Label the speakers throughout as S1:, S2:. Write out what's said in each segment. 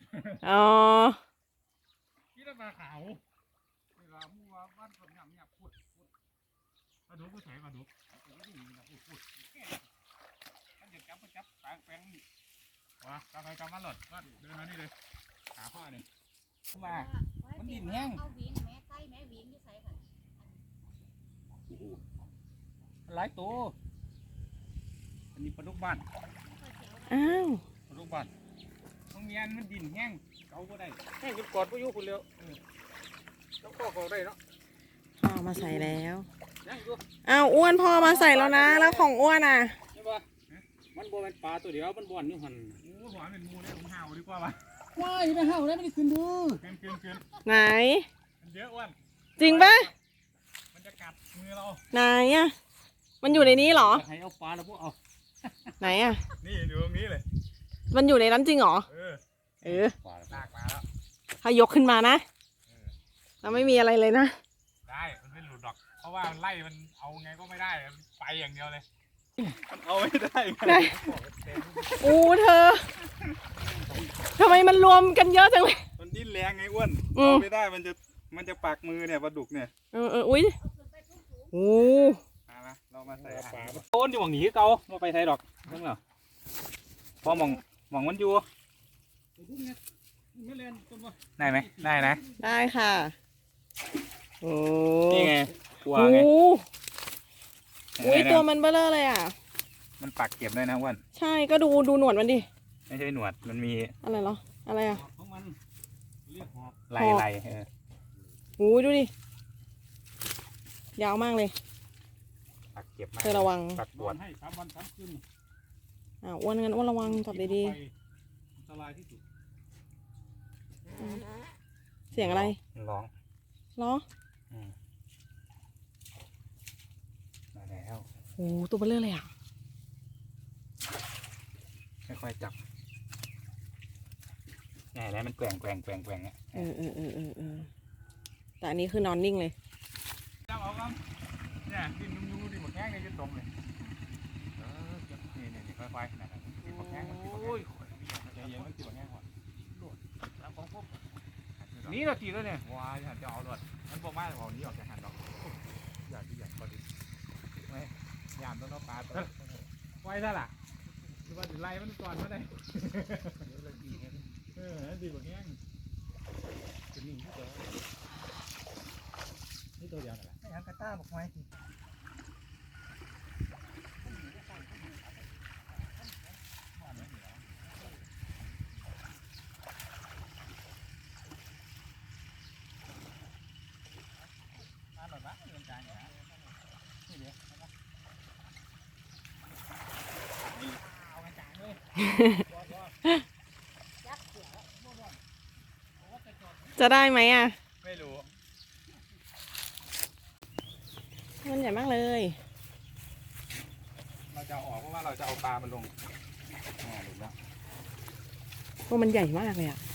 S1: อ๋อ
S2: ที่เราปลาขาวเวลามัวบ้านคนเนี่ยพูดปลาดุกก็ใส่ปลาดุกพูดมันจะจับปลาแป้งนี่ว้ากลับไปกลับมาหลดว่าเดินมานี่เลยหาพ่อเนี่ยมามันดินแห้งเอาวิ่งแม่ไก่แม่วิ่งที่ใส่ค่ะหลายตัวอันนี้ปลาดุกบ้าน
S1: อ้าว
S2: ปลาดุกบ้านต้องเมียนมันดินแห้งเกาก็ได้แห้งจนกอดพายุคุณเร็วต้องก็เขาได้เนาะ
S1: พ่อมาใส่แล้วอ้าวอ้วนพ่อมาใส่แล้วนะแล้วของอ้วนอ่ะ
S2: ใช่ปะมันบ่เป็นปลาตัวเดียวมันบ่อนอยู่หันโอ้หัวเป็นมูเลยผมห่าวดีกว่าป่ะ
S3: ว้ายไม่ห่าวแล้วไม่ได้ขึ้นดู
S2: ขึ้น
S1: ไหน
S2: มันเยอะอ้วน
S1: จริงปะ
S2: มันจะกัดมือเรา
S1: ไหนอ่ะมันอยู่ในนี้เหรอ
S2: ให้เอาปลาแล้วพวกเอา
S1: ไหนอ่ะ
S2: นี่อยู่ตรงนี้เลย
S1: มันอยู่ในนั้นจริงเหรอ
S2: ปลาลากมาแล้ว
S1: ถ้ายกขึ้นมานะเราไม่มีอะไรเลยนะ
S2: ได้มันไม่หลุดดอกเพราะว่ามันไล่มันเอาไงก็ไม่ได้ไปอย่างเดียวเลยมันเอาไม่ได้ไง
S1: อู้เธอทำไมมันรวมกันเยอะจังเลย
S2: มันดิ้นแรงไงอ้วนเอาไม่ได้มันจะปักมือเนี่ยปลาดุกเนี่ย
S1: อุ้ยโอ้
S2: มาเรามาใส่ปลาต้นอยู่หวังหนีเกาไม่ไปไทยดอกเพิ่งเหรอพอมองมันอยู่ได้ไหมได้นะ
S1: ได้ค่ะโอ้
S2: นี่ไงตัวไง
S1: อุ้ยตัวมันเบ้อเลอเลยอ่ะ
S2: มันปักเก็บได้นะอ้วน
S1: ใช่ก็ดูหนวดมันดิ
S2: ไม่ใช่หนวดมันมี
S1: อะไรเหรออะไรอ่ะ
S2: ไหล
S1: โอ้ยดูดิยาวมากเลย
S2: ปักเก็บ
S1: เธอระวัง
S2: ปักบวช
S3: ให้3 วัน 3 คืน
S1: อ้วนงั้นอ้วนระวังจับดี
S3: อันตรายที่สุด
S1: เสียงอะไร
S2: ร้องมาแล้ว
S1: โอ้ตัวเบลเลอร์เลยอ่ะ
S2: ค่อยๆจับไงแล้วมันแกว่งเนี่ย
S1: แต่อันนี้คือนอนนิ่งเลย
S2: จับเอาครับเนี่ยดินนุ่มๆดินหมดแห้งเลยจะตรงเลยนี่ค่อยๆนะครับดินหมดแห้งโอ้ยใจเย็นมันดินหมดแห้งก่อนแล้วของพวกนี่เราตีแล้วเนี่ยว้ายหันจะเอาด้วยมันบอกว่าเอานี้ออกจากหันดอกอยากพอดีไม่ยามต้องเอาปลาตัวไว้ซะล่ะหรือว่าไล่มันก่อนไม่ได้ดีกว่าแห้งจะนิ่งที่ตัวนี่ตัวเดียวน่ะ
S3: ไอ้อันกระต้าบอกไว้สิ
S1: จะได้ไหมอ่ะ
S2: ไม่รู้
S1: มันใหญ่มากเลย
S2: เราจะออกเพราะว่าเราจะเอาปลามันลงหลุดแล้ว
S1: ตัวมันใหญ่มากเลยอ่ะ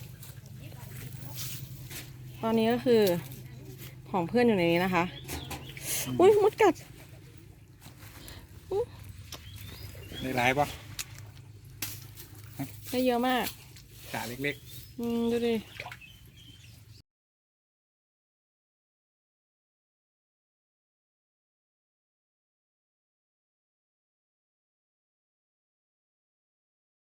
S1: ตอนนี้ก็คือของเพื่อนอยู่ในนี้นะคะอุ้ยมดกัด
S2: ได้หลายปะ
S1: ได้เยอะมาก
S2: ขาเล็ก
S1: ดูดิ